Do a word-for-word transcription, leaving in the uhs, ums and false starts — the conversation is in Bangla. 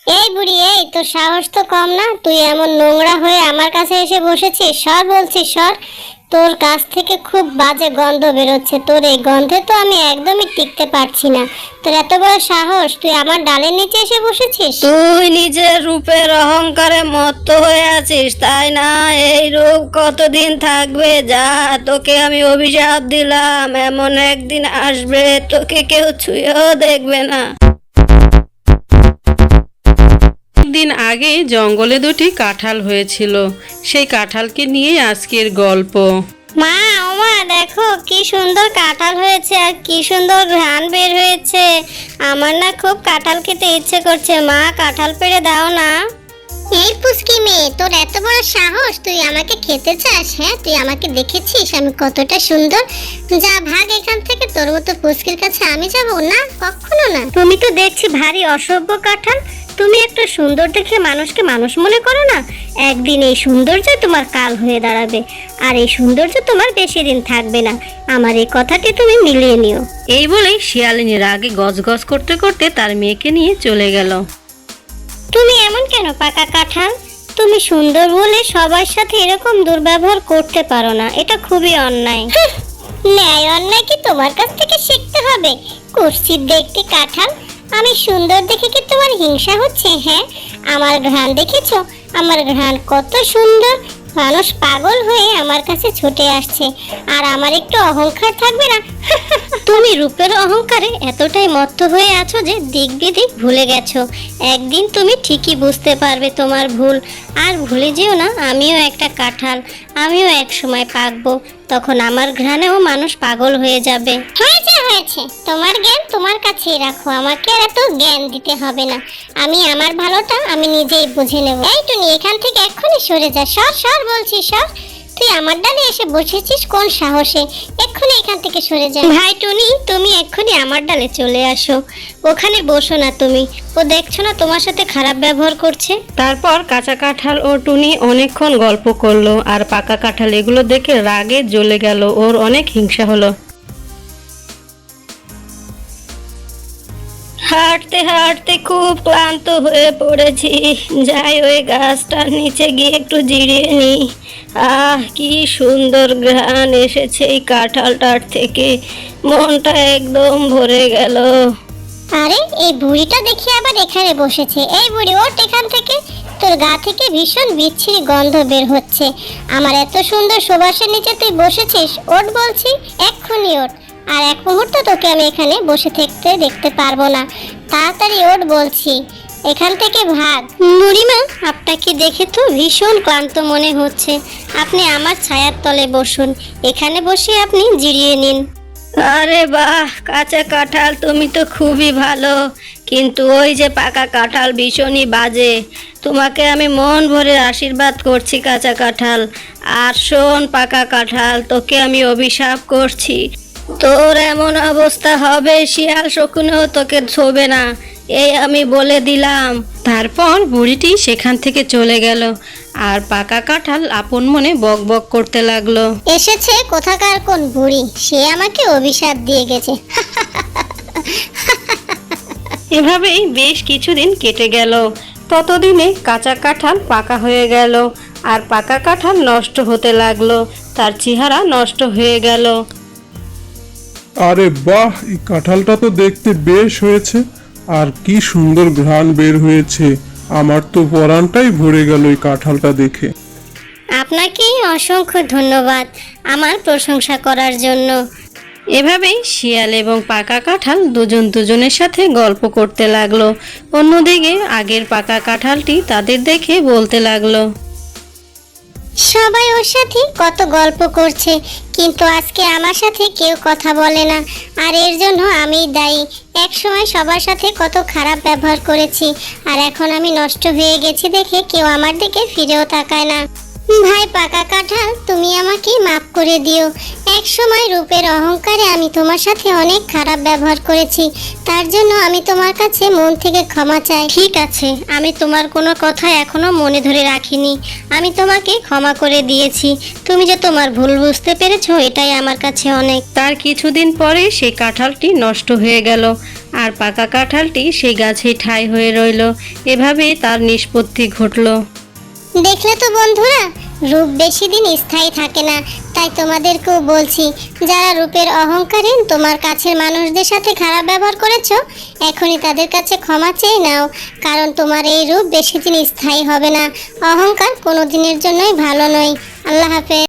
এই বুড়ি, এই তোর সাহস তো কম না? তুই এমন নোংরা হয়ে আমার কাছে এসে বসেছিস। সর বলছি, সর। তোর কাছ থেকে খুব বাজে গন্ধ বেরোচ্ছে। তোর এই গন্ধে তো আমি একদমই টিকতে পারছি না। তোর এত বড় সাহস, তুই আমার ডালের নিচে এসে বসেছিস? তুই নিজের রূপের অহংকারে মত্ত হয়ে আছিস, তাই না? এই রূপ কতদিন থাকবে? যা, তোকে আমি অভিশাপ দিলাম, এমন একদিন আসবে তোকে কেউ ছুঁয়েও দেখবে না। দিন আগে জঙ্গলে দুটি কাঁঠাল হয়েছিল, সেই কাঁঠালকে নিয়ে আজকের গল্প। মা, ও মা, দেখো কি সুন্দর কাঁঠাল হয়েছে আর কি সুন্দর ঘ্রাণ বের হয়েছে। আমার না খুব কাঁঠাল খেতে ইচ্ছে করছে। মা, কাঁঠাল পেড়ে দাও না। এই পুচকি মেয়ে, তোর এত বড় সাহস, তুই আমাকে খেতে চাস? হ্যাঁ, তুই আমাকে দেখেছিস আমি কতটা সুন্দর? যা, ভাগ এখান থেকে। তোর মতো পুচকির কাছে আমি যাব না, কখনো না। তুমি তো দেখছি ভারী অসভ্য কাঁঠাল। তুমি একটা সুন্দর দেখে মানুষকে মানুষ মনে করো না। একদিন এই সৌন্দর্য তোমার কাল হয়ে দাঁড়াবে, আর এই সৌন্দর্য তোমার বেশি দিন থাকবে না। আমার এই কথাটি তুমি মিলিয়ে নিও। এই বলেই শিয়ালিনী রাগে গজগজ করতে করতে তার মেয়েকে নিয়ে চলে গেল। তুমি এমন কেন পাকা কাঁঠাল? তুমি সুন্দর বলে সবার সাথে এরকম দুর্ব্যবহার করতে পারো না, এটা খুবই অন্যায়। ন্যায় অন্যায় কি তোমার কাছ থেকে শিখতে হবে? কুৎসিত দেখতে কাঁঠাল। আমি সুন্দর দেখে কি তোমার হিংসা হচ্ছে? হ্যাঁ, আমার ঘ্রাণ দেখেছো? আমার ঘ্রাণ কত সুন্দর। মানুষ পাগল হয়ে আমার কাছে ছুটে আসছে, আর আমার একটু অহংকার থাকবে না? তুমি রূপের অহংকারে এতটাই মত্ত হয়ে আছো যে দিক বিদিক ভুলে গেছো। একদিন তুমি ঠিকই বুঝতে পারবে তোমার ভুল। আর ভুলে যেও না, আমিও একটা কাঁঠাল, আমিও এক সময় পাকবো। তখন আমার ঘ্রাণেও মানুষ পাগল হয়ে যাবে। হয়েছে হয়েছে, তোমার জ্ঞান তোমার কাছেই রাখো, আমাকে আর এত জ্ঞান দিতে হবে না। আমি আমার ভালোটা আমি নিজেই বুঝে নেব। এই টুনি, এখান থেকে এক্ষুনি সরে যা। সর সর বলছি, সর। তুই আমার ডালে এসে বসেছিস কোন সাহসে? এক্ষুনি এখান থেকে সরে যা। ভাই টুনি, তুমি এক্ষুনি আমার ডালে চলে আসো। ওখানে বসো না তুমি। ও দেখছো না তোমার সাথে খারাপ ব্যবহার করছে? তারপর কাঁচা কাঁঠাল ও টুনি অনেকক্ষণ গল্প করলো, আর পাকা কাঁঠাল এগুলো দেখে রাগে জ্বলে গেল, ওর অনেক হিংসা হলো। হাঁটতে হাঁটতে খুব ক্লান্ত হয়ে পড়েছি, যাই ওই গাছটার নিচে গিয়ে একটু জিরিয়ে নি। আহ, কি সুন্দর ঘ্রাণ এসেছে এই কাঁঠালটার থেকে, মনটা একদম ভরে গেল। আরে, এই বুড়িটা দেখি আবার এখানে বসেছে। এই বুড়ি, ওঠ এখান থেকে। তোর গা থেকে ভীষণ বিচ্ছিরি গন্ধ বের হচ্ছে। আমার এত সুন্দর সুবাসের নিচে তুই বসেছিস? ওঠ বলছি, এক্ষুনি ওঠ। আর এক মুহূর্ত তোকে আমি এখানে বসে থাকতে দেখতে পারবো না। তাড়াতাড়ি ওঠ বলছি, এখান থেকে ভাগ। বুড়িমা, আপনাকে দেখে তো ভীষণ ক্লান্ত মনে হচ্ছে। আপনি আমার ছায়ার তলে বসুন, এখানে বসে আপনি জিরিয়ে নিন। আরে বাহ, কাঁচা কাঁঠাল তুমি তো খুবই ভালো, কিন্তু ওই যে পাকা কাঁঠাল ভীষণই বাজে। তোমাকে আমি মন ভরে আশীর্বাদ করছি কাঁচা কাঁঠাল। আর শোন পাকা কাঁঠাল, তোকে আমি অভিশাপ করছি। তোর এমন অবস্থা হবে, শিয়াল শকুনেও তোকে ছোবে না, এই আমি বলে দিলাম। তারপর বুড়িটি সেখান থেকে চলে গেল, আর পাকা কাঁঠাল আপন মনে বক বক করতে লাগলো। এসেছে কোথাকার কোন বুড়ি, সে আমাকে অভিশাপ দিয়ে গেছে। এভাবেই বেশ কিছুদিন কেটে গেল। ততদিনে কাঁচা কাঁঠাল পাকা হয়ে গেল, আর পাকা কাঁঠাল নষ্ট হতে লাগলো, তার চেহারা নষ্ট হয়ে গেল। আরে বাহ, এই কাঁঠালটা তো দেখতে বেশ হয়েছে, আর কি সুন্দর ঘ্রাণ বের হয়েছে। আমার তো পরানটাই ভরে গেল এই কাঁঠালটা দেখে। আপনাকে অসংখ্য ধন্যবাদ আমার প্রশংসা করার জন্য। এভাবেই শিয়াল এবং পাকা কাঁঠাল দুজন দুজনের সাথে গল্প করতে লাগলো। অন্যদিকে আগের পাকা কাঁঠালটি তাদের দেখে বলতে লাগলো, সবাই ওর সাথে কত গল্প করছে, কিন্তু আজকে আমার সাথে কেউ কথা বলে না। আর এর জন্য আমিই দায়ী। এক সময় সবার সাথে কত খারাপ ব্যবহার করেছি, আর এখন আমি নষ্ট হয়ে গেছি দেখে কেউ আমার দিকে ফিরেও তাকায় না। ভাই পাকা কাঁঠাল, তুমি আমাকে মাফ করে দিও। এক সময় রূপের অহংকারে আমি তোমার সাথে অনেক খারাপ ব্যবহার করেছি, তার জন্য আমি তোমার কাছে মন থেকে ক্ষমা চাই। ঠিক আছে, আমি তোমার কোনো কথা এখনো মনে ধরে রাখিনি, আমি তোমাকে ক্ষমা করে দিয়েছি। তুমি যে তোমার ভুল বুঝতে পেরেছো, এটাই আমার কাছে অনেক। তার কিছুদিন পরে সেই কাঁঠালটি নষ্ট হয়ে গেল, আর পাকা কাঁঠালটি সেই গাছেই ঠাঁই হয়ে রইল। এভাবেই তার নিষ্পত্তি ঘটলো। দেখলে তো বন্ধুরা, রূপ বেশি দিন স্থায়ী থাকে না। তাই তোমাদেরকেও বলছি, যারা রূপের অহংকারে তোমার কাছের মানুষদের সাথে খারাপ ব্যবহার করেছো, এখনই তাদের কাছে ক্ষমা চেয়ে নাও। কারণ তোমার এই রূপ বেশি দিন স্থায়ী হবে না। অহংকার কোনো দিনের জন্যই ভালো নয়। আল্লাহ হাফেজ।